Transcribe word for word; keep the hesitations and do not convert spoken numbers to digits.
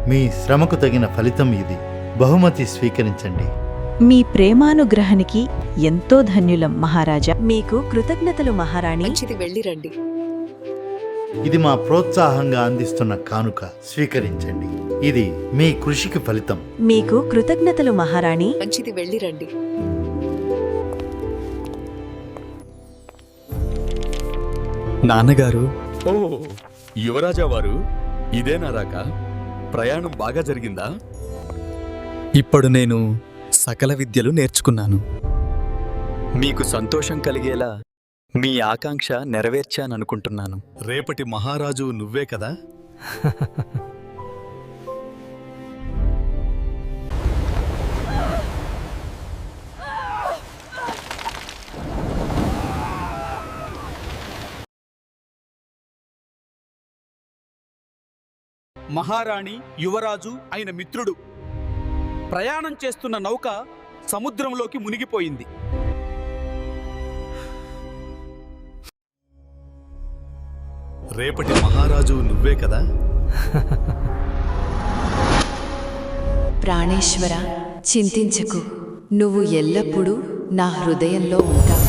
మీ శ్రమకు తగిన ఫలితం ఇది. బహుమతి స్వీకరించండి. మీ ప్రేమానుగ్రహానికి ఎంతో ధన్యులం మహారాజా. మీకు కృతజ్ఞతలు మహారాణి. మంచిది, వెళ్ళిరండి. ఇది మా ప్రోత్సాహంగా అందిస్తున్న కానుక, స్వీకరించండి. ఇది మీ కృషికి ఫలితం. మీకు కృతజ్ఞతలు మహారాణి. మంచిది, వెళ్ళిరండి. నాన్నగారు, ఓ యువరాజా వారు, ఇదేనా రాక? ప్రయాణం బాగా జరిగిందా? ఇప్పుడు నేను సకల విద్యలు నేర్చుకున్నాను. మీకు సంతోషం కలిగేలా మీ ఆకాంక్ష నెరవేర్చాననుకుంటున్నాను. రేపటి మహారాజు నువ్వే కదా? మహారాణి, యువరాజు అయిన మిత్రుడు ప్రయాణం చేస్తున్న నౌక సముద్రంలోకి మునిగిపోయింది. రేపటి మహారాజు నువ్వే కదా? ప్రాణేశ్వర, చింతించకు. నువ్వు ఎల్లప్పుడూ నా హృదయంలో ఉంటావు.